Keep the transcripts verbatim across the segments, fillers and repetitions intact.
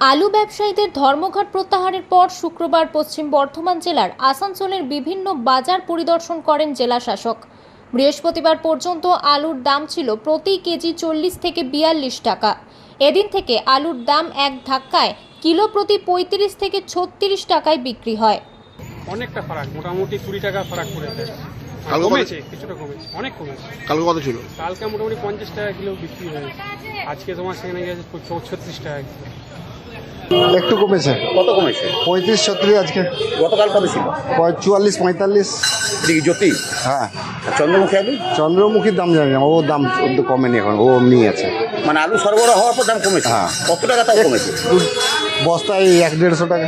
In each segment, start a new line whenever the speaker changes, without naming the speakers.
আলু ব্যবসায়ীদের ধর্মঘট প্রত্যাহারের পর শুক্রবার পশ্চিম বর্ধমান জেলার আসানসোলের বিভিন্ন বাজার পরিদর্শন করেন জেলা শাসক। বৃহস্পতিবার পর্যন্ত আলুর দাম ছিল প্রতি কেজি চল্লিশ থেকে বিয়াল্লিশ টাকা। এদিন থেকে আলুর দাম এক ধাক্কায় কিলো প্রতি পঁয়ত্রিশ থেকে ছত্রিশ টাকায় বিক্রি হয়।
অনেকটা ফারাক, মোটামুটি কুড়ি টাকা ফারাক পড়েছে।
কালকে
কমেছে, কিছুটা কমেছে, অনেক কমেছে।
কালকে কত ছিল?
কালকে মোটামুটি পঞ্চাশ টাকা কিলো বিক্রি হয়েছে, আজকে তোমার সেখানে গেছে ছত্রিশ টাকা কিলো।
একটু কমেছে।
কত কমেছে?
পঁয়ত্রিশ ছত্রিশ আজকে।
গতকাল কত ছিল?
চুয়াল্লিশ পঁয়তাল্লিশ।
এটা কি জ্যোতি?
হ্যাঁ।
আর চন্দ্রমুখী আলু?
চন্দ্রমুখীর দাম জানি না, ও দাম একটু কমেনি এখন, ও এমনি আছে।
মানে আলু সরবরাহ হওয়ার পর দাম কমেছে?
হ্যাঁ।
কত টাকা তাও কমেছে?
বস্তায় এক দেড়শো টাকা।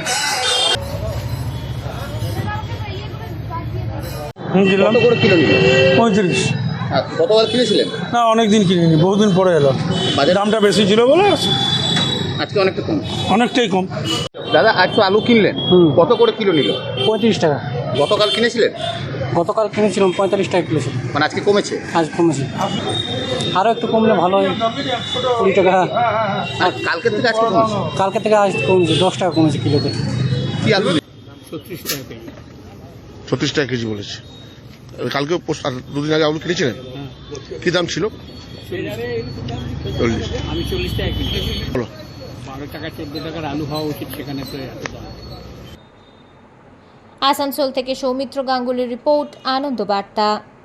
কত করে কিলো নিল?
পঁয়ত্রিশ।
আর গতকাল কিনেছিলেন?
না, অনেক দিন কিনিনি, বহুদিন পরে এলো।
বাজার
দামটা বেশি ছিল বলে
আজকে অনেকটা কম।
অনেকটাই কম।
দাদা আজ তো আলু কিনলেন, কত করে কিলো নিল?
পঁয়ত্রিশ টাকা।
গতকাল কিনেছিলেন?
গতকাল কিনেছিলাম পঁয়তাল্লিশ টাকা কিলো ছিল।
মানে আজকে কমেছে?
আজ কমেছে, আরও একটু কমলে ভালো হয়, কুড়ি টাকা।
আর কালকের থেকে আজকে কমেছে?
কালকে থেকে আজ কমেছে, দশ টাকা কমেছে কিলোতে।
কি আলু?
ছত্রিশ টাকা কেজি।
ছত্রিশ টাকা কেজি বলেছে। কালকে পোস্ট- আর দুদিন আগে আলু কিনেছিলেন, কি দাম ছিল? চল্লিশ।
আমি চল্লিশ টাকা কিনতে
বলো।
বারো টাকা চোদ্দ টাকার আলু হওয়া উচিত, সেখানে তো এত দাম।
আসানসোল থেকে সৌমিত্র গাঙ্গুলির রিপোর্ট, আনন্দ বার্তা।